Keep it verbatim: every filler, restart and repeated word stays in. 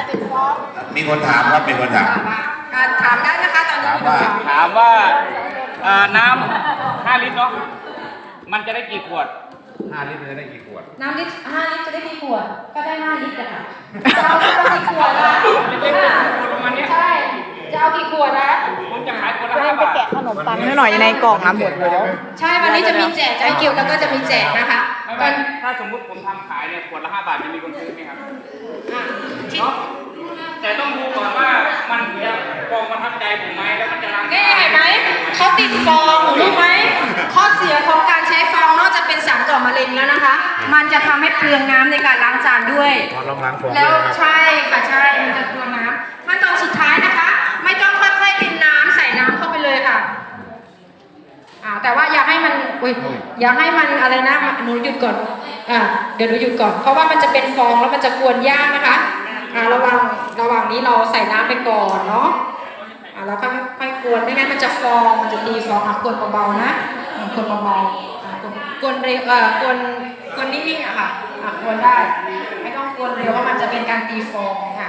เป็นฟองมีคนถามครับมีคนถามการถามได้นะคะตอนนี้ถามว่าถามว่าเอ่อน้ำห้าลิตรเนาะมันจะได้กี่ขวดห้าลิตรจะได้กี่ขวดน้ำลิตรห้าลิตรจะได้กี่ขวดก็ได้ห้าลิตรอะค่ะจะเอากี่ขวดล่ะประมาณนี้ใช่จะเอากี่ขวดนะผมจะขายคนละจะห้าให้ไปบาทแกะขนมปังนิดหน่อยในกล่องนะหมดแล้วใช่วันนี้จะมีแจกใจเกี่ยวแล้วก็จะมีแจกนะคะไม่ตไม่อนถ้าสมมุติผมทำขายเนี่ยขวดละห้าบาทจะมีคนซื้อไหมครับอ่ะที่เนาะแต่ต้องดูก่อนว่ามันจะกองประทับใจผมไหมแล้วมันจะล้างนี่เห็นไหมเขาติดฟองรู้ไหมข้อเสียของการใช้ฟองนอกจากเป็นสารก่อมะเร็งแล้วนะคะ มันจะทำให้เปลืองน้ำในการล้างจานด้วยพอลองล้างฟองแล้วด้วยนะครับใช่ค่ะใช่มันจะเปลืองน้ำขั้นตอนสุดท้ายนะคะ ไม่ต้องค่อยๆเทน้ำใส่น้ำเข้าไปเลยค่ะอ่าแต่ว่าอย่าให้มันอุ้ยอย่าให้มันอะไรนะหนูหยุดก่อนอ่าเดี๋ยวหนูหยุดก่อน เพราะว่ามันจะเป็นฟองแล้วมันจะกวนยากนะคะอ่าระวังระหว่างนี้เราใส่น้ำไปก่อนเนาะอ่าแล้วค่อยค่อยกวนไม่งั้นมันจะฟองมันจะตีฟองอ่ะกวนเบาๆนะอ่ากวนเบาๆอ่ากวนกวนเร็วเอ่อกวนกวนนิ่งๆอะค่ะอ่ากวนได้ไม่ต้องกวนเร็วเพราะมันจะเป็นการตีฟองค่ะ